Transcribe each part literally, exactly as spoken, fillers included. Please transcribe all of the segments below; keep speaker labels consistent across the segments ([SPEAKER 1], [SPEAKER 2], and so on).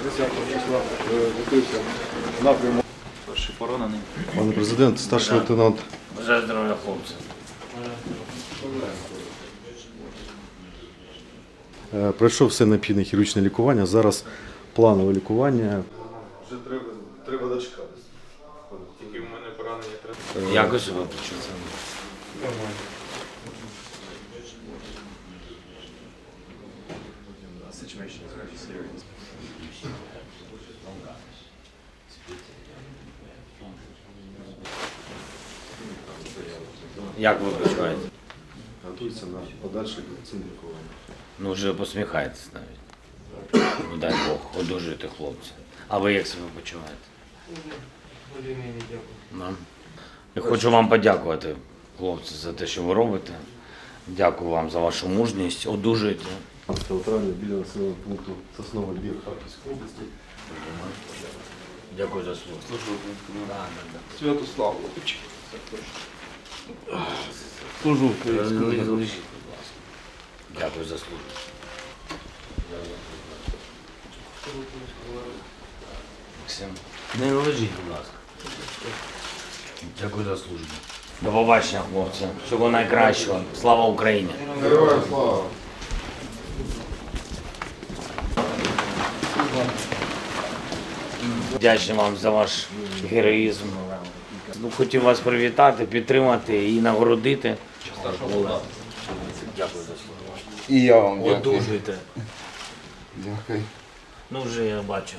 [SPEAKER 1] десятого числа готується напрямок.
[SPEAKER 2] Перший поранений.
[SPEAKER 3] Пане президент, старший лейтенант.
[SPEAKER 2] Бажаю здоров'я, хлопці.
[SPEAKER 3] Е, Пройшов все необхідне хірургічне лікування. Зараз планове лікування.
[SPEAKER 1] Вже треба, треба дочекатися. Тільки в мене поранення треба.
[SPEAKER 2] Якось ви почули?
[SPEAKER 1] Нормально.
[SPEAKER 2] Як ви почуваєте?
[SPEAKER 3] Готується на подальше повноцінне лікування.
[SPEAKER 2] Ну вже посміхаєтесь навіть. Ну дай Бог, одужуйте хлопці. А ви як себе почуваєте? Да. Я хочу вам подякувати, хлопці, за те, що ви робите. Дякую вам за вашу мужність. Одужуйте.
[SPEAKER 3] п'ятнадцятого травня біля населеного пункту Сосновий Бір Харківської області.
[SPEAKER 2] Дякую за слово. Да, да, да.
[SPEAKER 1] Святослав. Служу.
[SPEAKER 2] Лежіть, будь ласка. Дякую за службу. Максим, не лежіть, будь ласка. Дякую за службу. До побачення, хлопці. Всього найкращого. Слава Україні!
[SPEAKER 1] Героям слава!
[SPEAKER 2] Вдячний вам за ваш героїзм. Ну, хотів вас привітати, підтримати і нагородити. Дякую за службу.
[SPEAKER 4] І я вам дякую.
[SPEAKER 2] Одужуйте.
[SPEAKER 4] Дякую.
[SPEAKER 2] Ну вже я бачу.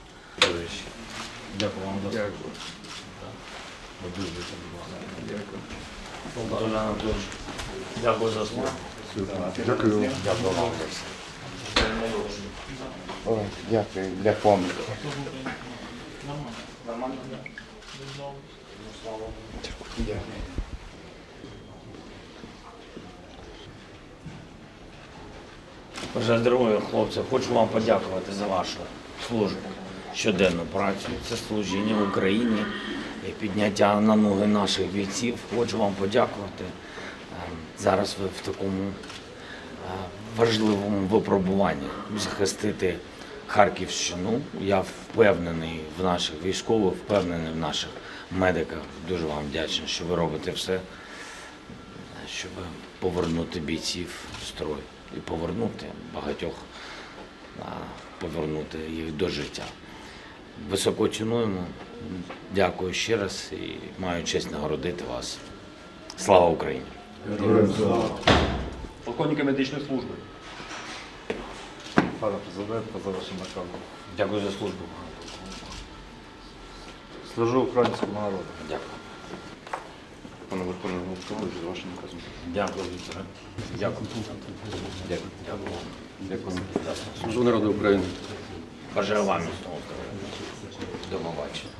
[SPEAKER 2] Дякую вам за службу. Одужуйте, будь ласка. Дякую. Анатолій Анатолійович, дякую за службу.
[SPEAKER 3] Дякую.
[SPEAKER 2] Дякую вам за все.
[SPEAKER 4] Ой, дякую для пам'яті.
[SPEAKER 2] Нормально?
[SPEAKER 4] Дякую.
[SPEAKER 2] Бажаю здоров'я, хлопці. Хочу вам подякувати за вашу службу, щоденну працю. Це служіння Україні і підняття на ноги наших бійців. Хочу вам подякувати. Зараз ви в такому важливому випробуванні захистити Харківщину. Я впевнений в наших військових, впевнений в наших медиках. Дуже вам вдячний, що ви робите все, щоб повернути бійців в строй і повернути багатьох, повернути їх до життя. Високо цінуємо. Дякую ще раз і маю честь нагородити вас. Слава Україні!
[SPEAKER 5] Полковника медичної служби.
[SPEAKER 3] Пане президент, за вашим наказом.
[SPEAKER 2] Дякую за службу.
[SPEAKER 5] Служу українському народу.
[SPEAKER 2] Дякую.
[SPEAKER 5] Пане Верховний Головкович, за вашим наказом.
[SPEAKER 2] Дякую, Вікторе. Дякую. Дякую. Дякую вам.
[SPEAKER 5] Дякую.
[SPEAKER 2] Служу народу України. Бажаю вам міцного здоров'я. До побачення.